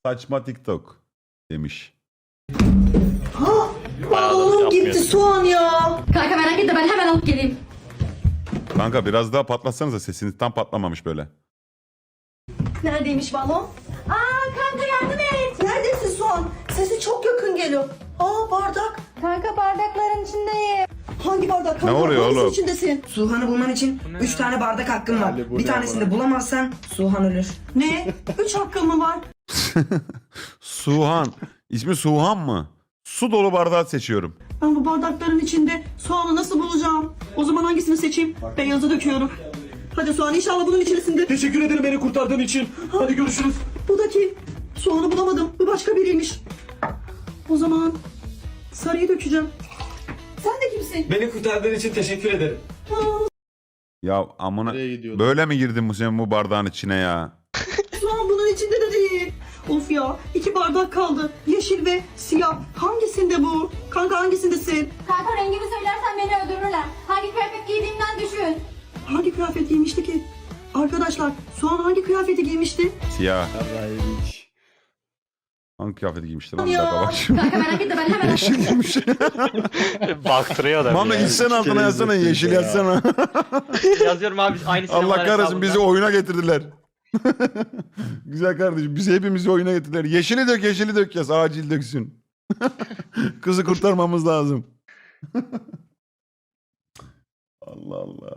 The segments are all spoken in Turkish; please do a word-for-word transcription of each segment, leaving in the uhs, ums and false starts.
Saçma TikTok demiş. Ha, balonum gitti soğan ya. Kanka merak etme ben hemen alıp geleyim. Kanka biraz daha patlatsanıza, sesiniz tam patlamamış böyle. Neredeymiş balon? Aa kanka yardım et. Neredesin soğan? Sesi çok yakın geliyor. Aa bardak. Kanka bardakların içindeyim. Hangi bardak? Ne oluyor Hangisinin oğlum? içindesin? Suhan'ı bulman için üç tane bardak hakkın var. Bir tanesini de bulamazsan Suhan ölür. Ne? Üç hakkım mı var? Suhan. İsmi Suhan mı? Su dolu bardağı seçiyorum. Ben bu bardakların içinde soğanı nasıl bulacağım? O zaman hangisini seçeyim? Beyazı döküyorum. Hadi soğan inşallah bunun içerisinde. Teşekkür ederim beni kurtardığın için. Hadi görüşürüz. Bu da kim? Soğanı bulamadım. Bu başka biriymiş. O zaman sarıyı dökeceğim. Sen de kimsin? Beni kurtardığın için teşekkür ederim. Ya amına, Nereye gidiyordu? böyle mi girdin bu senin bu bardağın içine ya? Soğan bunun içinde de değil. Of ya, iki bardak kaldı. Yeşil ve siyah. Hangisinde bu? Kanka hangisindesin? Kanka rengini söylersen beni öldürürler. Hangi kıyafet giydiğimden düşün. Hangi kıyafet giymişti ki? Arkadaşlar, soğan hangi kıyafeti giymişti? Siyah. Yarraymış. Hangi kıyafeti giymişti lan? Bir Ya. dakika bak şimdi. Kanka merak etme ben hemen Yeşil giymiş. Baktırıyor da. Mami gitsene altına yazsana, yeşil yazsana. Yazıyorum abi aynı Allah kahretsin, bizi oyuna getirdiler. Güzel kardeşim, bizi hepimizi oyuna getirdiler. Yeşili dök, yeşili dök yaz, acil döksün. Kızı kurtarmamız lazım. Allah Allah.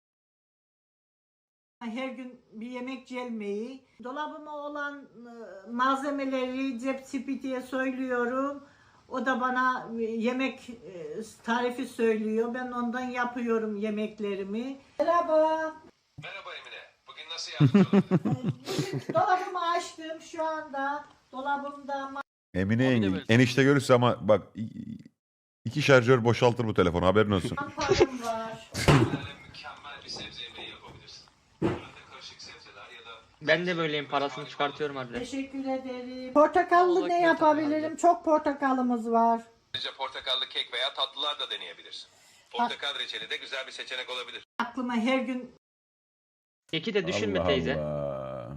Her gün bir yemek gelmeyi, dolabıma olan e, malzemeleri cep spitiye söylüyorum. O da bana e, yemek e, tarifi söylüyor. Ben ondan yapıyorum yemeklerimi. Merhaba. Merhaba Emine. Bugün nasıl yardımcı olabilirim? Dolabımı açtım şu anda. Dolabımda Emine yenge, enişte görürse ama bak, iki şarjör boşaltır bu telefonu, haberin olsun. mantarım var. Mükemmel bir sebze yemeği yapabilirsin. Arada karışık sebzeler ya da... Ben de böyleyim, parasını çıkartıyorum abi. Teşekkür ederim. Portakallı ne yapabilirim? Çok portakalımız var. Ayrıca portakallı kek veya tatlılar da deneyebilirsin. Portakal reçeli de güzel bir seçenek olabilir. Aklıma her gün Keki de düşünme Allah teyze. Allah.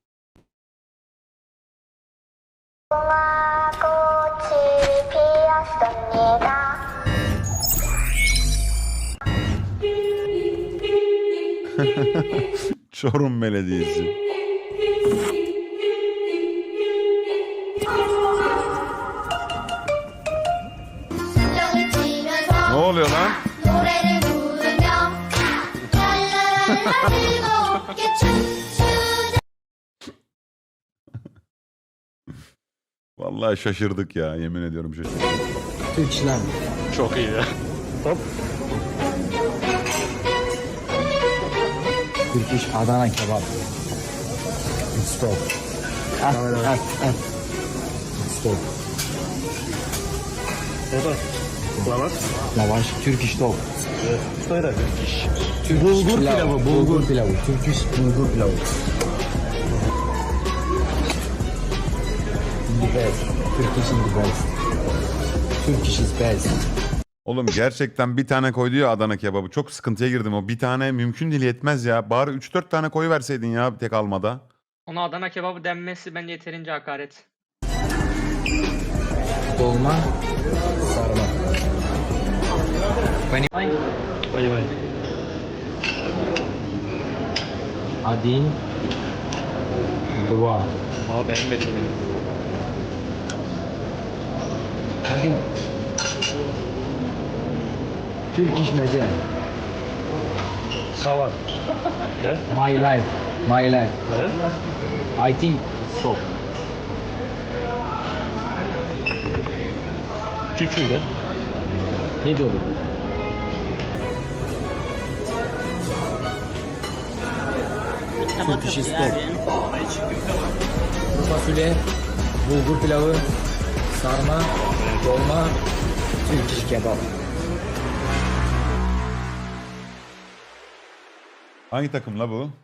Çorum Belediyesi. Ne oluyor lan? Vallahi şaşırdık ya, yemin ediyorum şaşırdık. Türk İslam. Çok iyi ya. Turkish Adana kebap. Stop. Ah, ah, ah. Stop. Lavaş. Lavaş. Turkish dog. Söyle. Turkish bulgur pilavı. Bulgur pilavı. Turkish bulgur pilavı. The best. Turkish is the best. Turkish is best. Oğlum gerçekten bir tane koydu ya Adana kebabı. Çok sıkıntıya girdim, o bir tane mümkün değil, yetmez ya. Bari üç dört tane koyu verseydin ya tek almada. Ona Adana kebabı denmesi bence yeterince hakaret. Dolma. Sarma. Vay vay. Adin. Dua. Aa beğenmedim beni. Adin. Turkish meze. Kavar. My life. My life. I think so. Küçüğü Ne diyor? Turkish is top. Kuru fasulye, bulgur pilavı, sarma, dolma, Turkish kebap. Hangi takım la bu?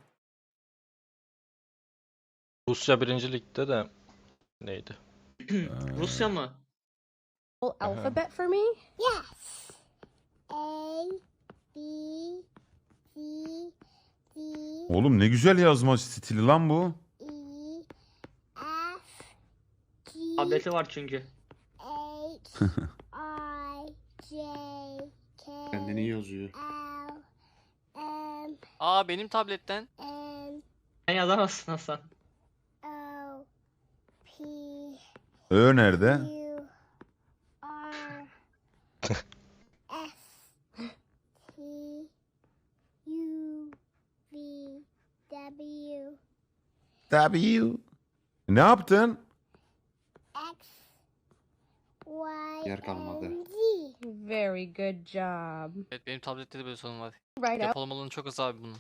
Rusya birinci ligde de neydi? Rusya mı? Alphabet for me? Yes. A, B, C, D, Oğlum ne güzel yazma stili lan bu. E, F, Tableti var çünkü. H I J K Kendini yazıyor. L M Aa benim tabletten. N Sen yazamazsın Hasan. O P Ö nerede? U R S T U V W W. Ne yaptın? X Y Yer kalmadı. and Z. Very good job. Evet benim tablette de böyle sorun var. Right up. Depolama alanı çok az abi bunun.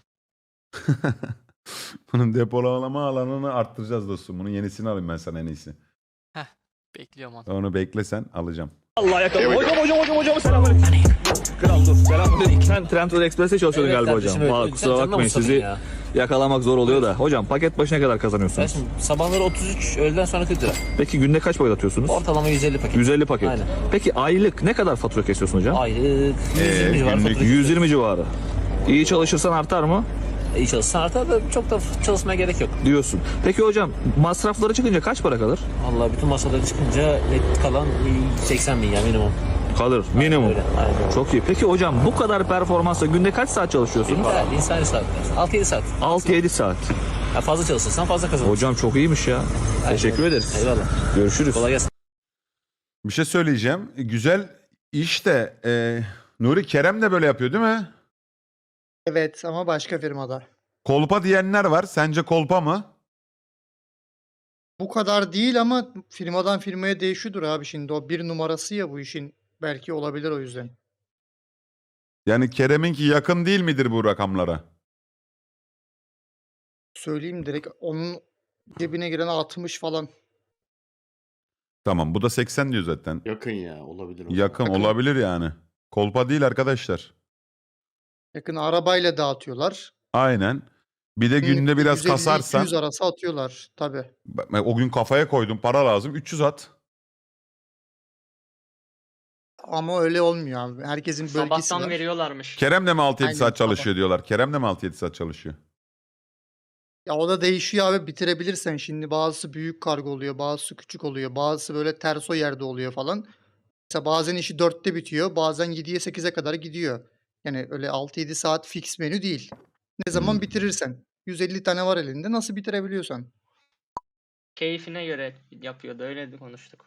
Bunun depolama alanını arttıracağız dostum. Bunun yenisini alayım ben sana en iyisi. Bekliyorum onu. Onu beklesen alacağım. Allah yakaladı. Hocam hocam hocam hocam selamünaleyküm. Kral dur selamünaleyküm. Sen Trendyol Express'te çalışıyordun galiba hocam. Valla kusura bakmayın sizi yakalamak zor oluyor da. Hocam paket başına kadar kazanıyorsunuz? Sabahları otuz üç, öğleden sonra kırk lira. Peki günde kaç paket atıyorsunuz? Ortalama yüz elli paket. yüz elli paket. Aynen. Peki aylık ne kadar fatura kesiyorsun hocam? Aylık Ee, günlük yüz yirmi civarı. İyi çalışırsan artar mı? İyi çalışsan artar da çok da çalışmaya gerek yok. Diyorsun. Peki hocam masrafları çıkınca kaç para kalır? Vallahi bütün masaları çıkınca net kalan seksen bin ya minimum. Kalır minimum. Öyle. Aynen. Çok iyi. Peki hocam bu kadar performansla günde kaç saat çalışıyorsunuz? İnsani, insani saatler. altı yedi saat. altı yedi saat. Ya fazla çalışırsan fazla kazanırsın. Hocam çok iyiymiş ya. Teşekkür ederiz. Eyvallah. Görüşürüz. Kolay gelsin. Bir şey söyleyeceğim. Güzel iş de e, Nuri Kerem de böyle yapıyor değil mi? Evet ama başka firmada. Kolpa diyenler var. Sence kolpa mı? Bu kadar değil ama firmadan firmaya değişiyordur abi şimdi. O bir numarası ya bu işin. Belki olabilir o yüzden. Yani Kerem'inki yakın değil midir bu rakamlara? Söyleyeyim direkt onun cebine giren altmış falan. Tamam bu da seksen diyor zaten. Yakın ya olabilir. Yakın olabilir yani. Kolpa değil arkadaşlar. Yakın arabayla dağıtıyorlar. Aynen. Bir de günde biraz yüz elli kasarsan. iki yüz arası atıyorlar tabii. Ben o gün kafaya koydum para lazım üç yüz at. Ama öyle olmuyor abi. Herkesin bölgesi Sabahtan var. veriyorlarmış. Kerem de mi altı yedi Aynen, saat sabah. çalışıyor diyorlar. Kerem de mi altı yedi saat çalışıyor? Ya o da değişiyor abi bitirebilirsen. Şimdi bazısı büyük kargo oluyor, bazısı küçük oluyor, bazısı böyle terso yerde oluyor falan. Mesela bazen işi dörtte bitiyor, bazen yediye sekize kadar gidiyor. Yani öyle altı yedi saat fix menü değil. Ne zaman Hmm. bitirirsen. yüz elli tane var elinde nasıl bitirebiliyorsan. Keyfine göre yapıyordu öyle de konuştuk.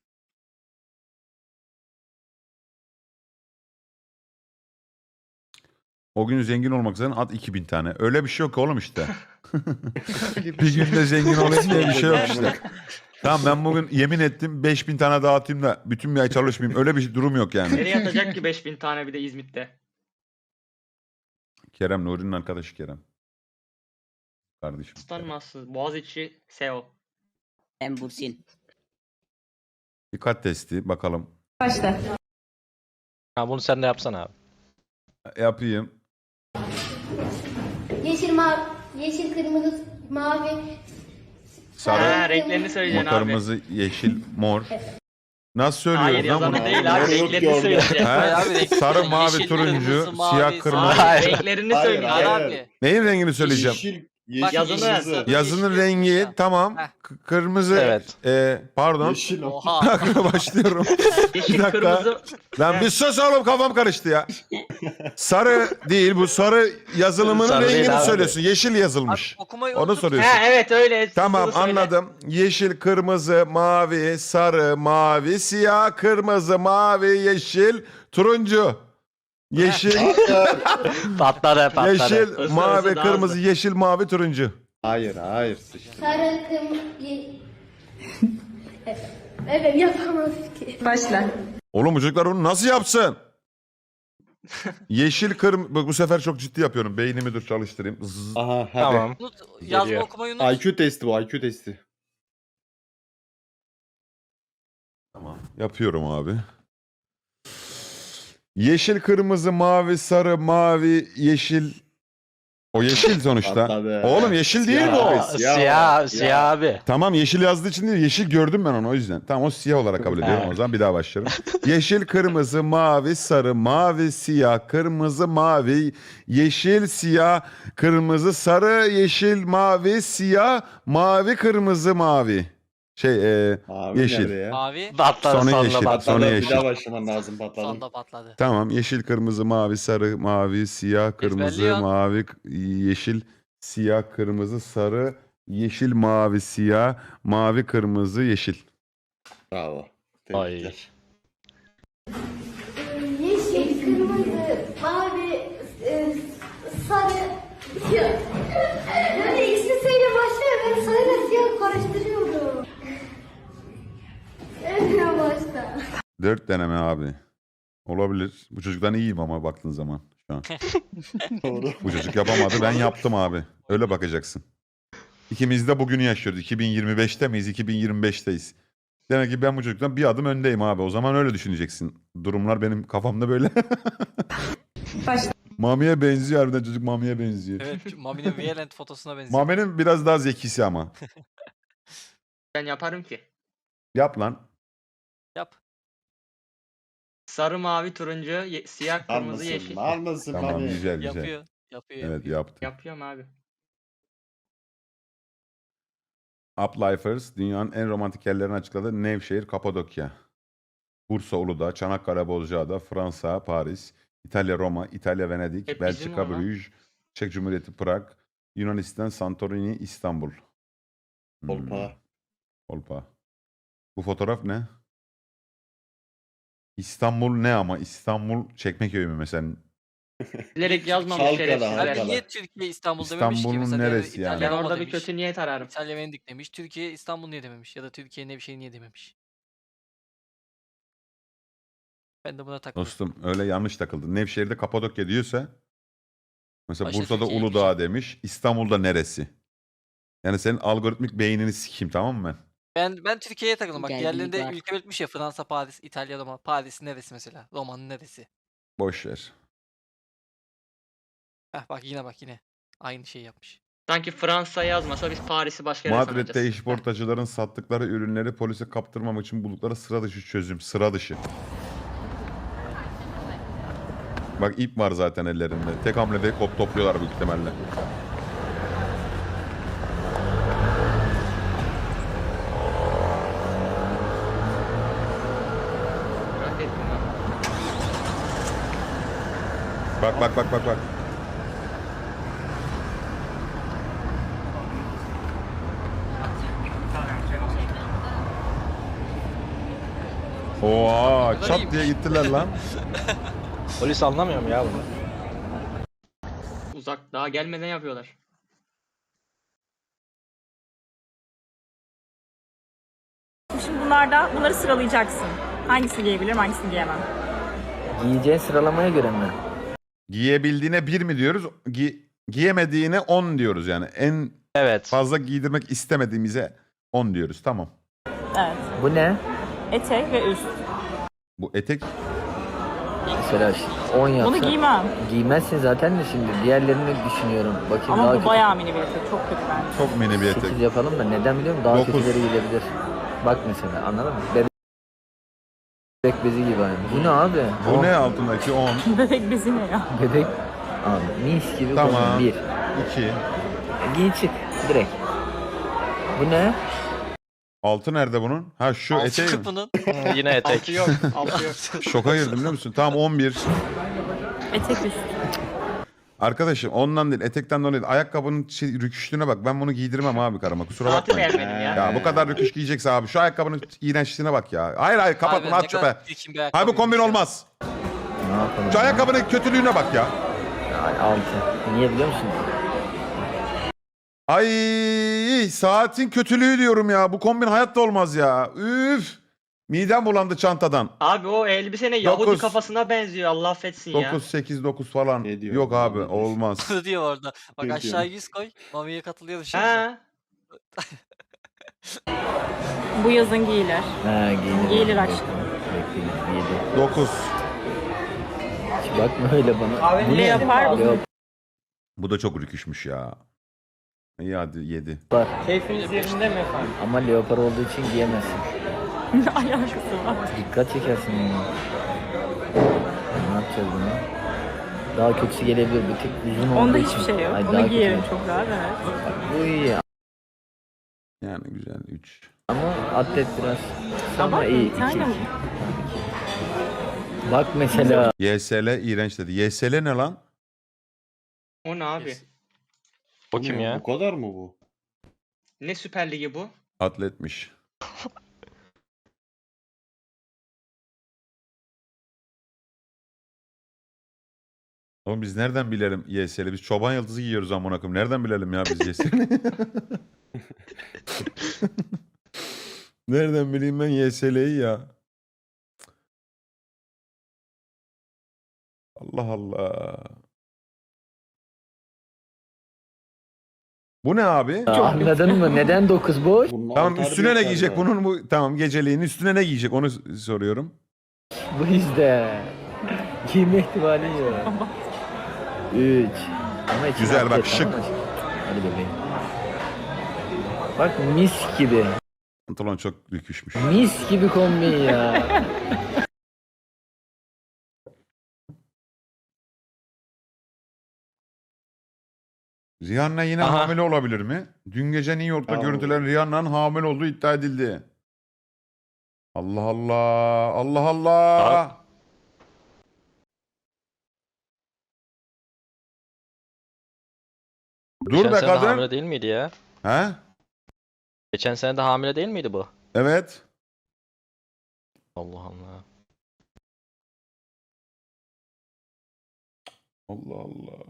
O gün zengin olmak üzere at iki bin tane. Öyle bir şey yok oğlum işte. Öyle Bir şey. günde zengin olayım diye bir şey yok işte. Tamam ben bugün yemin ettim beş bin tane dağıtayım da bütün bir ay çalışmayayım. Öyle bir durum yok yani. Nereye atacak ki beş bin tane bir de İzmit'te? Kerem Nuri'nin arkadaşı Kerem. Kardeşim. Tutanmazsın. Boğaziçi S E O. Ben Bursin. Dikkat testi bakalım. Başla. Ha bunu sen de yapsana abi. Yapayım. Yeşil mavi, yeşil kırmızı mavi. Sarı, Ha, renklerini söyleyeceksin abi. kırmızı, yeşil, mor. Nasıl Hayır söylüyoruz lan yazanı bunu? değil abi renklerini söyleyeceksin. Ha? Abi, renk- Sarı, mavi, yeşil, turuncu, kırmızı, mavi, siyah, sarı. kırmızı. Hayır renklerini Hayır söyleyeceksin. abi. Neyin rengini söyleyeceğim? Bak, Yazını yeşil, yaz. Yazının yeşil, rengi siyah. tamam. Heh. K- kırmızı. Evet. e, pardon. Oha. Bir dakika başlıyorum. Yeşil, Bir dakika. kırmızı. Lan bir sus oğlum kafam karıştı ya. Sarı değil bu sarı yazılımının Sarı değil rengini abi. söylüyorsun. Yeşil Abi, yazılmış. okumayı Onu unuttum. soruyorsun. Ha evet öyle. Tamam Bunu söyle. anladım. Yeşil, kırmızı, mavi, sarı, mavi, siyah, kırmızı, mavi, yeşil, turuncu. Yeşil, Patladı patladı. yeşil, Hızlı mavi, hızlı, daha kırmızı, hızlı. yeşil, mavi, turuncu. Hayır hayır sıçtı. Sarı kırmızı. Evet yapamaz ki. Başla. Oğlum bu çocuklar onu nasıl yapsın? Yeşil, kırmızı. Bu sefer çok ciddi yapıyorum. Beynimi dur çalıştırayım. Zzz. Aha hadi. Tamam. Unut, yazma Geliyor. okumayı unut. I Q testi bu I Q testi. Tamam. Yapıyorum abi. Yeşil, kırmızı, mavi, sarı, mavi, yeşil. O yeşil sonuçta. Patladı. Oğlum yeşil değil mi o? Aa, Siyah, siyah abi. Tamam yeşil yazdığı için değil. Yeşil gördüm ben onu o yüzden. Tamam o siyah olarak kabul ediyorum o zaman bir daha başlıyorum. Yeşil, kırmızı, mavi, sarı, mavi, siyah, kırmızı, mavi, yeşil, siyah, kırmızı, sarı, yeşil, mavi, siyah, mavi, kırmızı, mavi. Şey e, yeşil. Mavi. Patladı Sonra sonunda yeşil. patladı. Sonra yeşil. başlaman lazım patladım. Sonda patladı. Tamam. Yeşil, kırmızı, mavi, sarı, mavi, siyah, kırmızı, Ezberliyorsun. mavi, k- yeşil, siyah, kırmızı, sarı, yeşil, mavi, siyah, mavi, kırmızı, yeşil. Bravo. Ay. Tebrikler. Yeşil, kırmızı, mavi, e, sarı, siyah. Böyle ikisiyle başlıyor. Ben sarıyla siyah karıştırıyorum. En başta. Dört deneme abi. Olabilir. Bu çocuktan iyiyim ama baktığın zaman şu an. Doğru. Bu çocuk yapamadı, ben yaptım abi. Öyle bakacaksın. İkimiz de bugünü yaşıyoruz. iki bin yirmi beşte miyiz? iki bin yirmi beşteyiz. Demek ki ben bu çocuktan bir adım öndeyim abi. O zaman öyle düşüneceksin. Durumlar benim kafamda böyle. Mami'ye benziyor harbiden, çocuk Mami'ye benziyor. Evet, Mami'nin Violent fotosuna benziyor. Mami'nin biraz daha zekisi ama. Ben yaparım ki. Yap lan. Yap. Sarı, mavi, turuncu, ye- siyah, kırmızı, Almasın. yeşil. Almasın Tamam, abi. güzel güzel. Yapıyor. Yapıyor. Evet, yapıyor. yaptı. Yapıyorum abi. Uplifers dünyanın en romantik yerlerini açıkladı. Nevşehir, Kapadokya. Bursa, Uludağ, Çanakkale, Bozcaada, Fransa, Paris, İtalya, Roma, İtalya, Venedik, Hep bizim Belçika, ama. Bruges, Çek Cumhuriyeti, Prag, Yunanistan, Santorini, İstanbul. Hmm, Kolpa. Kolpa. Bu fotoğraf ne? İstanbul ne ama? İstanbul Çekmeköy mü mesela? Bilerek yazmamış Halkala, şerefsizler. Abi halkala. niye Türkiye İstanbul dememiş ki İstanbul'un mesela? Ya da neresi yani? İtalya Ben Roma orada bir demiş. kötü niyet ararım. İtalya Venedik demiş. Türkiye İstanbul niye dememiş? Ya da Türkiye ne bir şey niye dememiş? Ben de buna takıldım. Dostum öyle yanlış takıldı. Nevşehir'de Kapadokya diyorsa mesela Başta Bursa'da Türkiye'ye Uludağ demiş. İstanbul'da neresi? Yani senin algoritmik beynini sikeyim, tamam mı? Ben ben Türkiye'ye takıldım. Bak Geldiği diğerlerinde var. ülke belirtmiş ya, Fransa, Paris, İtalya, Roma. Paris neresi mesela? Roma'nın neresi? Boş ver. Heh bak yine bak yine. Aynı şeyi yapmış. Sanki Fransa yazmasa biz Paris'i başka yere Madrid'de sanacağız. işportacıların sattıkları ürünleri polise kaptırmamak için buldukları sıra dışı çözüm. Sıra dışı. Bak ip var zaten ellerinde. Tek hamlede kop topluyorlar büyük ihtimalle. Merak ettim lan. Bak bak bak bak bak. Oha, kadar çat iyiymiş. diye gittiler lan. Polis anlamıyor mu ya bunu? Uzak daha gelmeden yapıyorlar. Şimdi bunlarda bunları sıralayacaksın. Hangisini giyebilirim, hangisini giyemem. Giyeceğin sıralamaya göre mi? Giyebildiğine bir mi diyoruz? Gi- giyemediğine on diyoruz yani. En Evet. fazla giydirmek istemediğimize on diyoruz. Tamam. Evet. Bu ne? Etek ve üst. Bu etek Mesela on yapsa. Bunu giymem. Giymezsin zaten de şimdi. Diğerlerini düşünüyorum. Bakayım Ama daha bu kötü. bayağı mini bir etek. Çok kötü bence. çok mini bir etek. sekiz yapalım da neden biliyor musun? Daha Dokuz. kötüleri giyilebilir. Bak mesela, anladın mı? Bebek bezi gibi aynı. Bu ne abi? Bu On. ne altındaki on? Bebek bezi ne ya? Bebek. Abi mis gibi Tamam. kombin. Bir. iki. Giy çık direkt. Bu ne? Altı nerede bunun? Ha şu Altı eteği mi? bunun. Yine etek. Altı yok. Altı yok. Şoka girdim biliyor musun? Tamam on bir. Etek üst. Arkadaşım ondan değil, etekten dolayı değil. Ayakkabının şey, rüküşlüğüne bak. Ben bunu giydirmem abi karıma. Kusura Saati bakmayın. beğenmedim ya. Ya bu kadar rüküş giyecekse abi. Şu ayakkabının iğrençliğine bak ya. Hayır hayır kapat Abi bunu, ne at kadar çöpe. çirkin bir Hayır bu ayakkabıymış kombin ya. olmaz. Ne yapalım? Şu ya? ayakkabının kötülüğüne bak ya. Ay, altı. Niye biliyor musun? Ay saatin kötülüğü diyorum ya. Bu kombin hayatta olmaz ya. Üf. Midem bulandı çantadan. Abi o elbise ne Yahudi Dokuz. kafasına benziyor. Allah affetsin ya. dokuz, sekiz, dokuz falan. Ne diyor? Yok abi Ne diyor? olmaz. Bunu diyor orada. Bak Ne aşağı diyor? yüz koy. Mami'ye katılıyor şimdi. Ha. Bu yazın giyilir. Ha, giyilir. Giyilir aşkım. Bekleyin, yedi. dokuz. Hiç bakma öyle bana. Bu ne? Leopar uzun. Leopar. Bu da çok rüküşmüş ya. İyi hadi yedi. Keyfiniz yerinde mi efendim? Ama leopar olduğu için giyemezsin. Ne alakası var? Dikkat çekersin bunu. Ne yapacağız bunu? Daha kötüsü gelebilir. Bir tık uzun olduğu Onda için. hiçbir şey yok. Ay, daha Onu kötü. giyerim çok rahat, evet. Bak, bu iyi. Yani güzel üç. Ama atlet biraz. Ama Ama iyi. bir tane mi? Bak mesela. Y S L iğrenç dedi. Y S L ne lan? O ne abi? O Bu kim ne? ya? Bu kadar mı bu? Ne Süper Ligi bu? Atletmiş. Oğlum biz nereden bilelim Y S L? Biz çoban yıldızı giyiyoruz amına koyayım. Nereden bilelim ya biz Y S L? Nereden bileyim ben Y S L'yi ya? Allah Allah. Bu ne abi? Anladın mı? Neden dokuz boş? Bunun Tamam Antalya üstüne ne yok giyecek galiba. bunun bu tamam geceliğin üstüne ne giyecek onu s- soruyorum. Bu işte. Giyme ihtimali yok. üç. Ama içine Güzel, bak, atlet, şık. tamam mı? Hadi bebeğim. Bak mis gibi. Pantolon çok büküşmüş. Mis gibi kombin ya. Rihanna yine Aha. hamile olabilir mi? Dün gece New York'ta Aa. görüntülen Rihanna'nın hamile olduğu iddia edildi. Allah Allah. Allah Allah. Dur Geçen be sene de hamile kadın. değil miydi ya? He? Geçen sene de hamile değil miydi bu? Evet. Allah Allah. Allah Allah.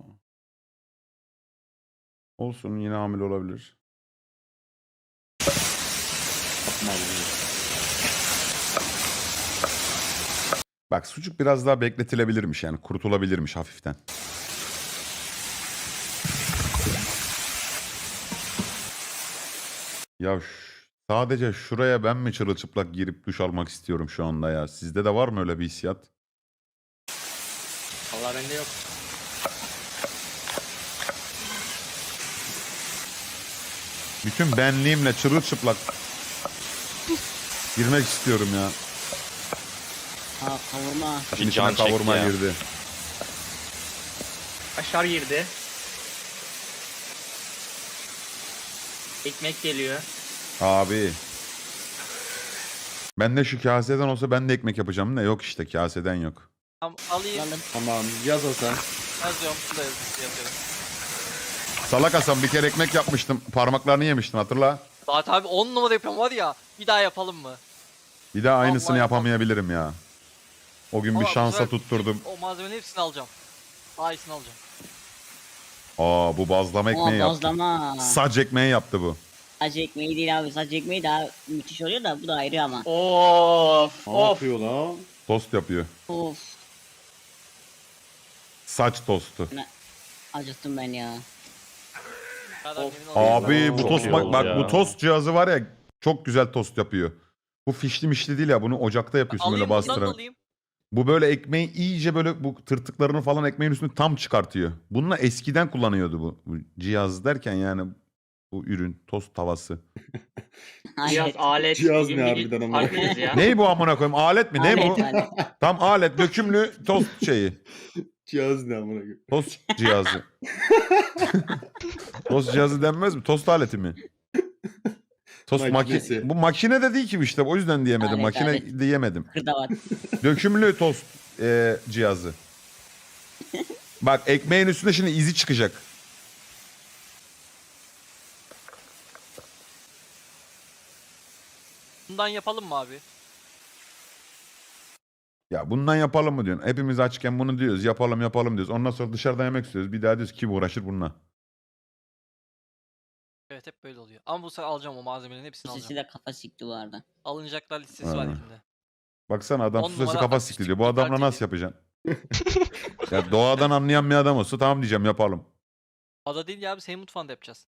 Olsun yine hamile olabilir. Bak sucuk biraz daha bekletilebilirmiş yani kurutulabilirmiş hafiften. Ya ş- sadece şuraya ben mi çırılçıplak girip duş almak istiyorum şu anda ya? Sizde de var mı öyle bir hissiyat? Allah bende yok. Bütün benliğimle çırılçıplak girmek istiyorum ya. Ha kavurma. İçine can çekti kavurma ya. girdi. Aşağı girdi. Ekmek geliyor. Abi. Ben de şu kaseden olsa ben de ekmek yapacağım da yok işte kaseden yok. Tamam, alayım. Tamam yaz Hasan. Yazıyorum. Bunu da yaz- yazıyorum. Salak Hasan bir kere ekmek yapmıştım. Parmaklarını yemiştin hatırla. Zaten abi on numara yapıyorum var ya. Bir daha yapalım mı? Bir daha aynısını Vallahi yapamayabilirim ya. O gün bir Ama bu şansa sefer tutturdum. O malzemenin hepsini alacağım. Daha iyisini alacağım. Aa bu bazlama ekmeği Aa, yaptı. bazlama. Saç ekmeği yaptı bu. Saç ekmeği değil abi. Saç ekmeği daha müthiş oluyor da bu da ayrı ama. Of Ne of. yapıyor lan? Tost yapıyor. Of. Saç tostu. Acıktım ben ya. Kadar Of. emin olayım. Abi bu Çok tost iyi bak, oldu bak ya. bu tost cihazı var ya çok güzel tost yapıyor. Bu fişli mişli değil ya bunu ocakta yapıyorsun Alayım böyle bundan da bastırarak. alayım. Bu böyle ekmeği iyice böyle bu tırtıklarını falan ekmeğin üstüne tam çıkartıyor. Bununla eskiden kullanıyordu bu, bu cihaz derken yani bu ürün tost tavası. Cihaz, Alet. alet. Cihaz yeni ne bir harbiden ama? farklıyız ya. Ney bu amına koyayım alet mi ne bu? Alet, alet. Tam alet dökümlü tost şeyi. Cihaz ne amına koyayım? Tost cihazı. Tost cihazı denmez mi? Tost aleti mi? Tost Makinesi. makine. Bu makine de değil ki işte o yüzden diyemedim. Alet, makine alet. diyemedim. Kırdavat. Dökümlü tost e, cihazı. Bak ekmeğin üstünde şimdi izi çıkacak. Bundan yapalım mı abi? Ya bundan yapalım mı diyorsun? Hepimiz açken bunu diyoruz. Yapalım yapalım diyoruz. Ondan sonra dışarıdan yemek istiyoruz. Bir daha diyoruz kim uğraşır bununla? Evet hep böyle oluyor. Ama bu sefer alacağım o malzemelerin hepsini Sesi alacağım. de kafa sikti bu arada. Alınacaklar listesi var Ha. elimde. Baksana adam On susesi numara kafa akustik sikiliyor. Bu adamla kaliteli. nasıl yapacaksın? Ya doğadan anlayan bir adam olsa tamam diyeceğim yapalım. Ada değil ya abi senin mutfağında yapacağız.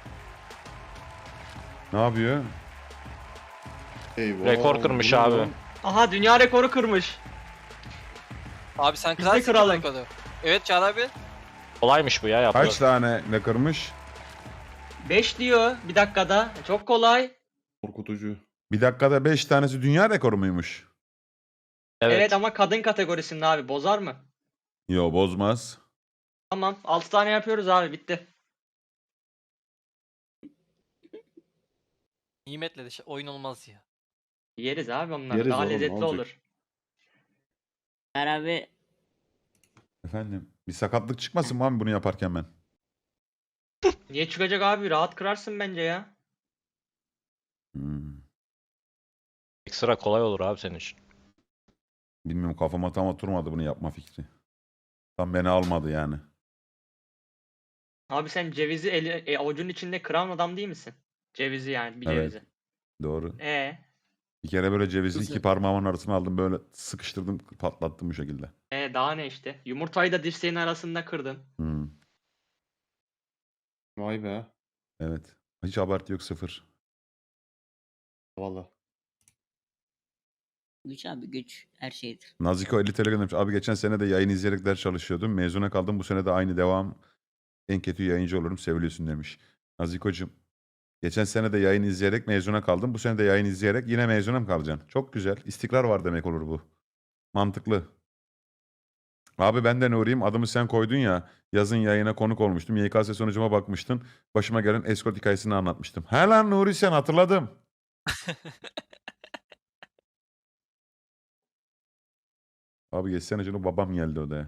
Ne yapıyor? Eyvah. Rekor kırmış bu ne abi. lan? Aha dünya rekoru kırmış. Abi sen Biz de kırarsın kıralım. rekoru. Evet Çağrı abi. Kolaymış bu ya yapılır. Kaç tane ne kırmış? beş diyor bir dakikada. Çok kolay. Korkutucu. Bir dakikada beş tanesi dünya rekoru muymuş? Evet. Evet. ama kadın kategorisinde abi. Bozar mı? Yo bozmaz. Tamam. altı tane yapıyoruz abi. Bitti. Nimetle de şey- oyun olmaz ya. Yeriz abi onlar. Yeriz Daha oğlum, ne lezzetli olacak? olur. Her abi Efendim bir sakatlık çıkmasın mı abi bunu yaparken ben? Niye çıkacak abi? Rahat kırarsın bence ya. Hmm. Ekstra kolay olur abi senin için. Bilmiyorum kafama tam oturmadı bunu yapma fikri. Tam beni almadı yani. Abi sen cevizi eli, e, avucunun içinde kıran adam değil misin? Cevizi yani bir Evet. cevizi. Doğru. E Bir kere böyle cevizi Güzel. iki parmağımın arasına aldım böyle sıkıştırdım patlattım bu şekilde. e daha ne işte? Yumurtayı da dirseğin arasında kırdın. Hmm. Vay be. Evet. Hiç abartı yok sıfır. Valla. güç abi güç her şeydir. Naziko elli T L göndermiş. Abi geçen sene de yayın izleyerek ders çalışıyordum. Mezuna kaldım. Bu sene de aynı devam. En kötü yayıncı olurum. Seviliyorsun demiş. Naziko'cum. Geçen sene de yayın izleyerek mezuna kaldım. Bu sene de yayın izleyerek yine mezuna mı kalacaksın? Çok güzel. İstikrar var demek olur bu. Mantıklı. Abi ben de Nuri'yim. Adımı sen koydun ya. Yazın yayına konuk olmuştum. Y K S sonucuma bakmıştın. Başıma gelen escort hikayesini anlatmıştım. He lan Nuri sen hatırladım. Abi geçsene canım babam geldi odaya.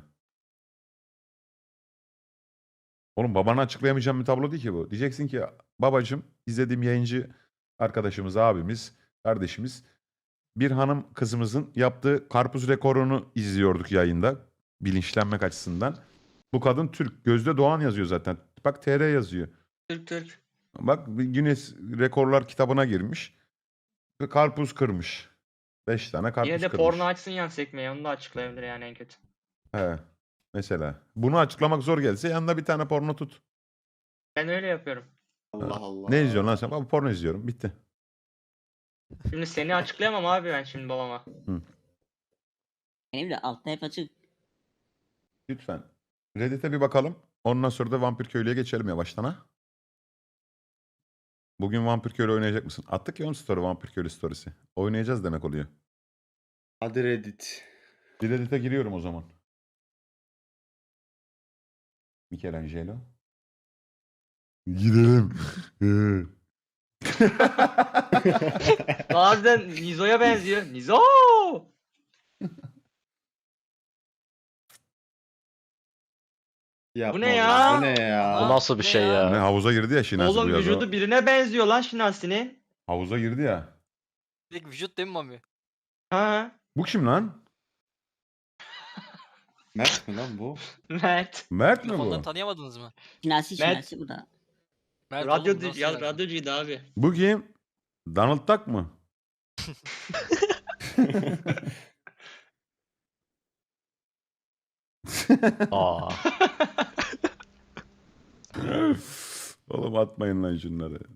Oğlum babana açıklayamayacağım bir tablo değil ki bu. Diyeceksin ki babacığım izlediğim yayıncı arkadaşımız, abimiz, kardeşimiz bir hanım kızımızın yaptığı karpuz rekorunu izliyorduk yayında bilinçlenmek açısından. Bu kadın Türk. Gözde Doğan yazıyor zaten. Bak T R yazıyor. Türk Türk. Bak Guinness Rekorlar kitabına girmiş. Ve karpuz kırmış. Beş tane karpuz Yine de kırmış. porno açsın yan sekmeyi. Onu da açıklayabilir yani en kötü. He. Mesela. Bunu açıklamak zor gelse yanında bir tane porno tut. Ben öyle yapıyorum. Allah Allah. Ne izliyorsun lan sen? Abi porno izliyorum. Bitti. Şimdi seni açıklayamam abi ben şimdi babama. Benim de altta hep açık. Lütfen. Reddit'e bir bakalım. Ondan sonra da Vampir Köylü'ye geçelim yavaştan ha. Bugün Vampir Köylü oynayacak mısın? Attık ya onun story Vampir Köylü storiesi. Oynayacağız demek oluyor. Hadi Reddit. Bir Reddit'e giriyorum o zaman. Michelangelo. Gidelim. Bazen Nizo'ya benziyor. Nizo! Yapma Bu ne be, ya? Bu ne ya? Bu nasıl bir şey ya? Ne havuza girdi ya Şinasi bu Oğlum yaz o. vücudu birine benziyor lan Şinasi'nin. Havuza girdi ya. Direkt vücut değil mi Mami? Ha? Bu kim lan? Mert mi lan bu? Mert. Mert mi Telefondan bu? tanıyamadınız mı? Şinasi Mert- şinasi bu da. Mert Radyo oğlum, nasıl ya yani? radyocuydu abi. Bu kim? Donald Duck mı? Aa. Oğlum atmayın lan şunları.